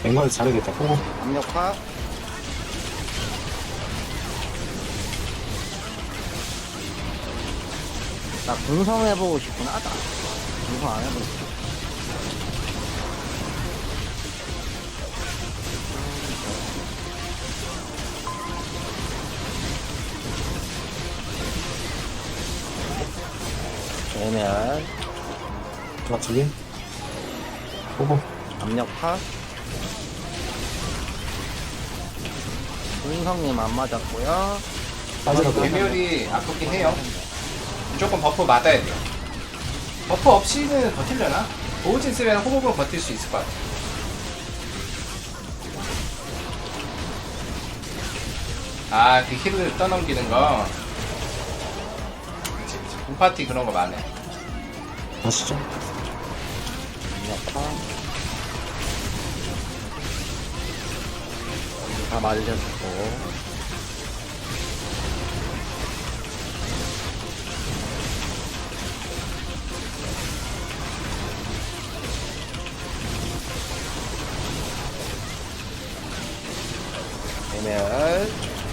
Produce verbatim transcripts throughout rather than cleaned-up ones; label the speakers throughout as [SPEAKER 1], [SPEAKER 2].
[SPEAKER 1] 앵간을 잘해야겠다. 오,
[SPEAKER 2] 압력파. 나 궁성 해보고 싶구나. 나 궁성 안 해보고 싶어. 되면
[SPEAKER 1] 맞추기. 오고.
[SPEAKER 2] 압력파. 궁성님 안 맞았고요.
[SPEAKER 1] 빠지라고.
[SPEAKER 3] 괴멸이 아프긴 해요. 무조건 버프 맞아야 돼요. 버프 없이는 버틸려나? 보호진 쓰면 호흡으로 버틸 수 있을 것 같아. 아, 그 힐을 떠넘기는 거. 그치, 그치. 홈파티 그런 거 많네.
[SPEAKER 1] 가시죠.
[SPEAKER 2] 압력파. 다 말렸고. 되면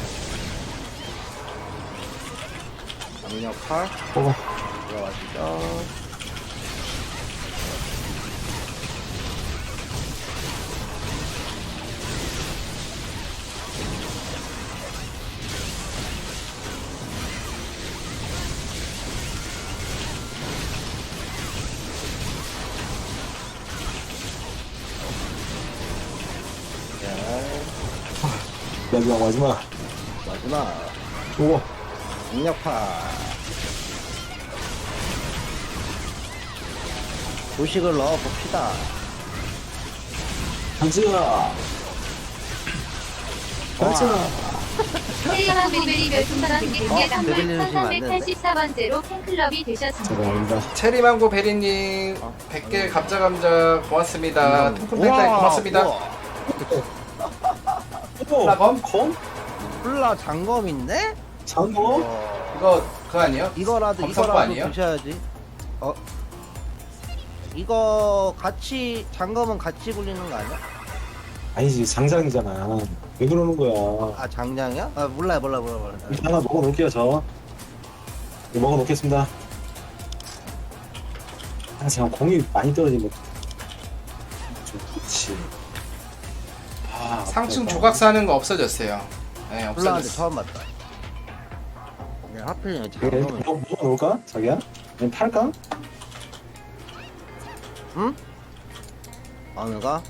[SPEAKER 2] 압력파.
[SPEAKER 1] 오고.
[SPEAKER 2] 들어가시죠.
[SPEAKER 1] 마지막, 마지막.
[SPEAKER 2] 마지막
[SPEAKER 1] 오고.
[SPEAKER 2] 압력파. 도식을 넣어봅시다.
[SPEAKER 1] 가자. 가자.
[SPEAKER 4] 헬리언 베리베리 별풍선
[SPEAKER 2] 어,
[SPEAKER 4] 개
[SPEAKER 2] 베리베리 주시면 안
[SPEAKER 4] 천삼백팔십사 번째로 팬클럽이 되셨습니다.
[SPEAKER 1] 죄송합니다.
[SPEAKER 3] 체리망고 베리님 백 개 감자감자 고맙습니다. 통큰 팬타이
[SPEAKER 2] 우와,
[SPEAKER 3] 고맙습니다.
[SPEAKER 2] 우와.
[SPEAKER 1] 오고.
[SPEAKER 3] 라범?
[SPEAKER 1] 검?
[SPEAKER 2] 콜라 장검인데?
[SPEAKER 1] 장검?
[SPEAKER 2] 어,
[SPEAKER 3] 이거 그거 아니에요?
[SPEAKER 2] 이거라도
[SPEAKER 3] 검성거
[SPEAKER 2] 이거라도
[SPEAKER 3] 아니에요?
[SPEAKER 2] 드셔야지. 어? 이거 같이 장검은 같이 굴리는 거 아니야?
[SPEAKER 1] 아니지, 장장이잖아. 왜 그러는 거야?
[SPEAKER 2] 아 장장이야? 아 몰라요 몰라 몰라 몰라.
[SPEAKER 1] 일단 하나 먹어놓을게요, 저. 이거 먹어놓겠습니다. 아, 제가 공이 많이 떨어지면. 좀 그렇지. 아,
[SPEAKER 3] 상층
[SPEAKER 1] 아깝다.
[SPEAKER 3] 조각 사는 거 없어졌어요. 네,
[SPEAKER 2] 콜라한테
[SPEAKER 3] 없어졌어.
[SPEAKER 2] 처음 봤다. 네, 하필이면
[SPEAKER 1] 그래,
[SPEAKER 2] 장검을.
[SPEAKER 1] 뭐, 먹어놓을까? 자기야? 아니면 팔까?
[SPEAKER 2] 응? 어느가?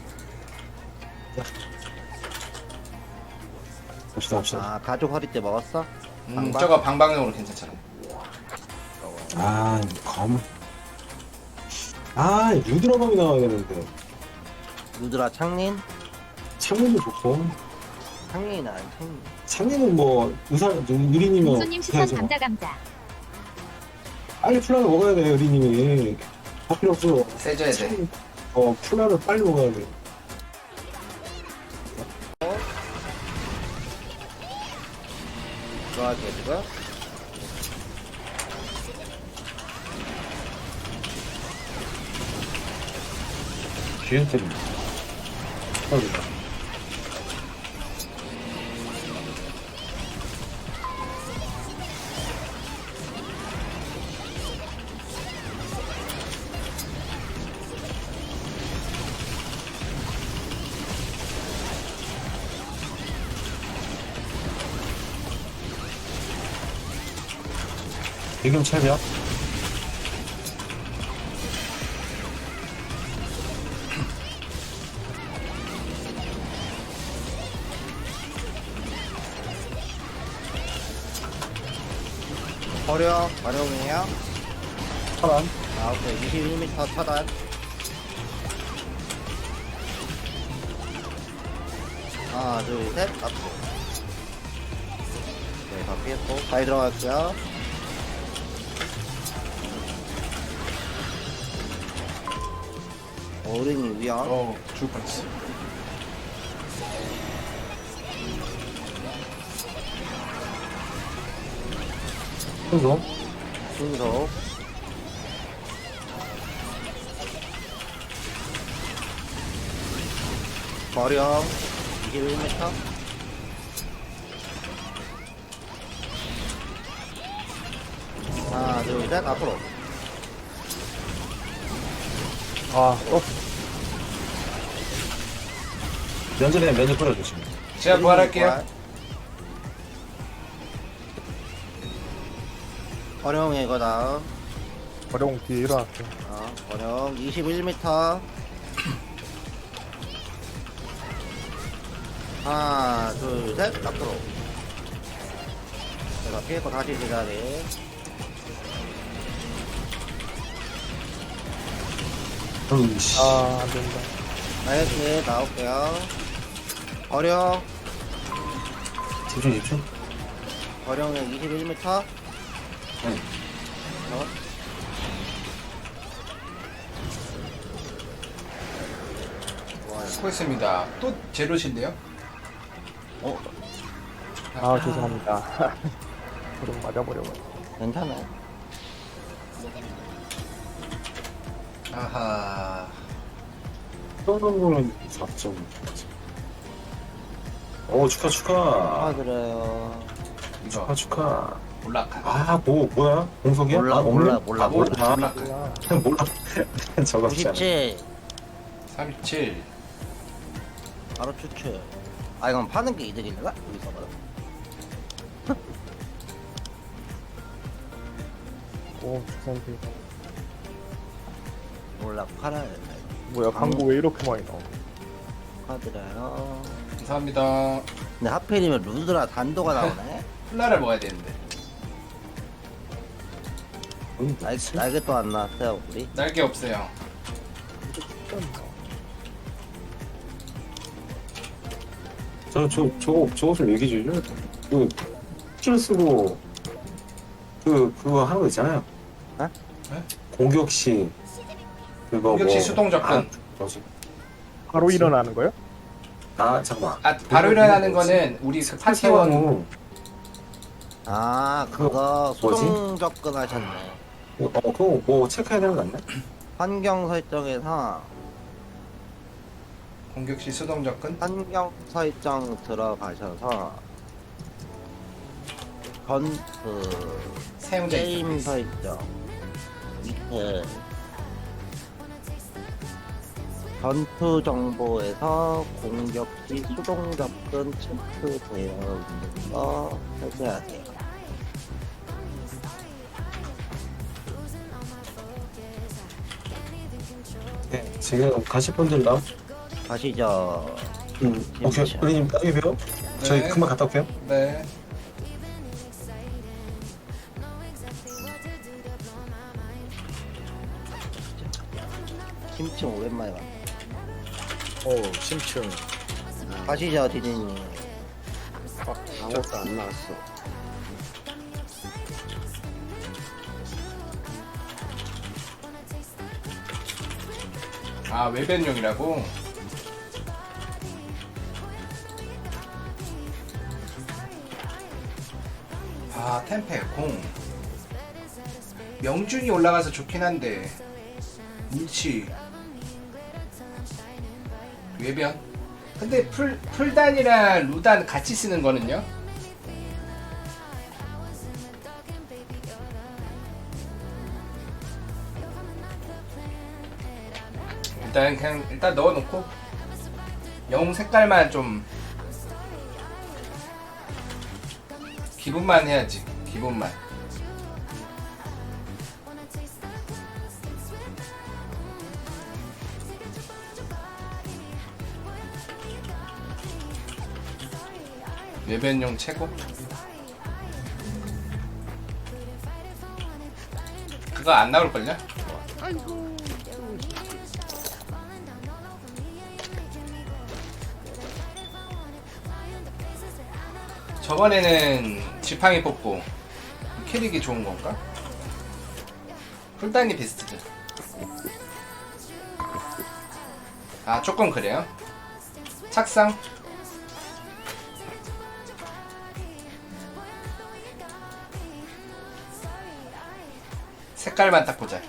[SPEAKER 1] 봅시다, 봅시다.
[SPEAKER 2] 아 가족 허리 때 먹었어?
[SPEAKER 3] 음,
[SPEAKER 2] 방방?
[SPEAKER 3] 저거 방방용으로 괜찮잖아.
[SPEAKER 1] 아, 검. 아, 유드라범이 나와야 되는데.
[SPEAKER 2] 누드라 창린?
[SPEAKER 1] 창문도 좋고.
[SPEAKER 2] 창린이 나 창린.
[SPEAKER 1] 창문은 뭐, 의사, 유리님은.
[SPEAKER 4] 공수님 추천
[SPEAKER 1] 해야죠.
[SPEAKER 4] 감자 감자.
[SPEAKER 1] 빨리 플라를 먹어야 돼, 유리님이. 할 필요 없어.
[SPEAKER 3] 세줘야 돼.
[SPEAKER 1] 어, 플라를 빨리 먹어야 돼.
[SPEAKER 2] 들어갈게요 지금.
[SPEAKER 1] 기회템. 빨리. 지금 차려.
[SPEAKER 2] 버려 버려이에요.
[SPEAKER 1] 차단.
[SPEAKER 2] 아 오케이 이십일 미터 차단. 하나 둘셋 앞으로. 네 바뀌었고 잘 들어갈게요. 어른이 위험.
[SPEAKER 3] 어, 죽을 뻔했어.
[SPEAKER 1] 그래서
[SPEAKER 2] 순서. 어령 이십일 미터. 하나 둘 셋 앞으로.
[SPEAKER 5] 아, 어,
[SPEAKER 1] 면전에 면접 뿌려주시면.
[SPEAKER 3] 제가 부활할게요.
[SPEAKER 2] 어령 이거 다음.
[SPEAKER 5] 어려운 뒤에 일어났어.
[SPEAKER 2] 어, 어령 이십일 미터. 하나 둘 셋 앞으로. 제가 피했고 다시 제자리.
[SPEAKER 1] 으이씨.
[SPEAKER 5] 아, 안 된다.
[SPEAKER 2] 나이스 나올게요. 어령
[SPEAKER 1] 집중, 집중.
[SPEAKER 2] 어령에 이십일 미터.
[SPEAKER 1] 네.
[SPEAKER 2] 어? 좋아요.
[SPEAKER 3] 수고했습니다. 또 제로신데요?
[SPEAKER 2] 어?
[SPEAKER 5] 아, 죄송합니다. 그럼 맞아버려고.
[SPEAKER 2] 괜찮아요.
[SPEAKER 3] 아하.
[SPEAKER 1] 떠는 거는 사 점. 오, 축하, 축하.
[SPEAKER 2] 축하드려요.
[SPEAKER 1] 축하, 축하.
[SPEAKER 3] 올라카.
[SPEAKER 1] 아, 뭐, 뭐야? 공석이야?
[SPEAKER 2] 몰라
[SPEAKER 1] 아,
[SPEAKER 2] 몰라
[SPEAKER 1] 없네?
[SPEAKER 2] 몰라
[SPEAKER 3] 아, 몰라.
[SPEAKER 2] 몰라.
[SPEAKER 3] 올라카.
[SPEAKER 1] 몰라. 적었잖아.
[SPEAKER 2] 구십칠
[SPEAKER 3] 삼십칠.
[SPEAKER 2] 바로 추출. 아 이건 파는 게 이득일려나? 여기서 봐라.
[SPEAKER 5] 오, 주선비.
[SPEAKER 2] 몰라 팔아야 된다. 이거.
[SPEAKER 5] 뭐야, 광고 왜 이렇게 많이 나와?
[SPEAKER 2] 축하드려요.
[SPEAKER 3] 감사합니다.
[SPEAKER 2] 근데 하필이면 루드라 단도가 나오네.
[SPEAKER 3] 콜라를 먹어야 되는데.
[SPEAKER 1] 음,
[SPEAKER 2] 날 날개 또 안 나왔어요 우리.
[SPEAKER 3] 날개 없어요.
[SPEAKER 1] 저, 저, 저, 저거 좀 얘기해 주죠. 그, 킬 쓰고, 그, 그거 하는 거 있잖아요.
[SPEAKER 2] 어?
[SPEAKER 3] 네?
[SPEAKER 1] 공격 시, 그거
[SPEAKER 3] 공격 시
[SPEAKER 1] 뭐,
[SPEAKER 3] 수동 접근.
[SPEAKER 1] 아, 뭐지?
[SPEAKER 5] 바로 일어나는 거요?
[SPEAKER 1] 아, 잠깐만.
[SPEAKER 3] 아, 바로 일어나는 거는 우리 그 파티원
[SPEAKER 1] 파티원,
[SPEAKER 2] 아 그거
[SPEAKER 1] 뭐지?
[SPEAKER 2] 수동 접근하셨네.
[SPEAKER 1] 어, 그거 뭐 체크해야 되는 거 같네?
[SPEAKER 2] 환경 설정에서
[SPEAKER 3] 공격 시 수동 접근.
[SPEAKER 2] 환경 설정 들어가셔서 전그
[SPEAKER 3] 사용자
[SPEAKER 2] 게임
[SPEAKER 3] 인터페이스.
[SPEAKER 2] 설정 밑에 전투 정보에서 공격 시 수동 접근 체크되어 있는 거 설정하세요.
[SPEAKER 1] 네, 지금 가실 분들 나,
[SPEAKER 2] 가시죠.
[SPEAKER 1] 음, 오케이.
[SPEAKER 2] 진짜.
[SPEAKER 1] 우리님 나중에 봬요. 저희
[SPEAKER 3] 네.
[SPEAKER 1] 금방 갔다 올게요.
[SPEAKER 3] 네.
[SPEAKER 2] 심층 오랜만에 봤네.
[SPEAKER 6] 어, 심층.
[SPEAKER 2] 가시죠, 디디님.
[SPEAKER 6] 아무것도 안 나왔어.
[SPEAKER 3] 아, 외변용이라고? 아, 템페, 공. 명중이 올라가서 좋긴 한데. 물치. 외변. 근데 풀, 풀단이랑 루단 같이 쓰는 거는요? 일단 그냥 일단 넣어놓고 영웅 색깔만 좀 기분만 해야지. 기분만. 외변용 최고. 그거 안 나올걸요? 저번에는 지팡이 뽑고 캐릭이 좋은 건가? 풀단이 베스트죠. 아, 조금 그래요? 착상? 색깔만 딱 보자.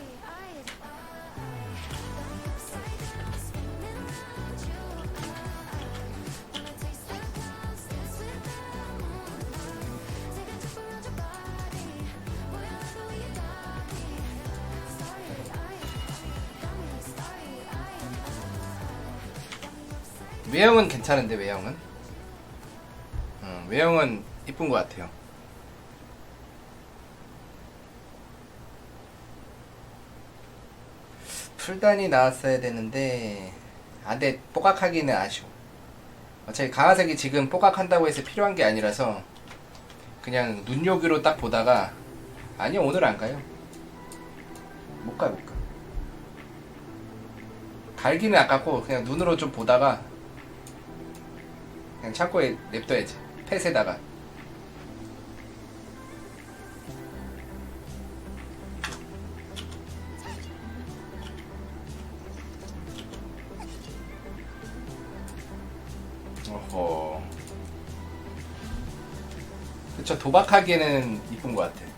[SPEAKER 3] 외형은 괜찮은데 외형은 음, 외형은 이쁜 것 같아요. 풀단이 나왔어야 되는데 안돼 뽀각하기는 아쉬워. 어차피 강화색이 지금 뽀각한다고 해서 필요한 게 아니라서 그냥 눈요기로 딱 보다가 아니요 오늘 안 가요. 못 가, 못 가. 갈기는 아깝고 그냥 눈으로 좀 보다가 그냥 창고에 냅둬야지. 펫에다가. 어허. 그쵸, 도박하기에는 이쁜 것 같아.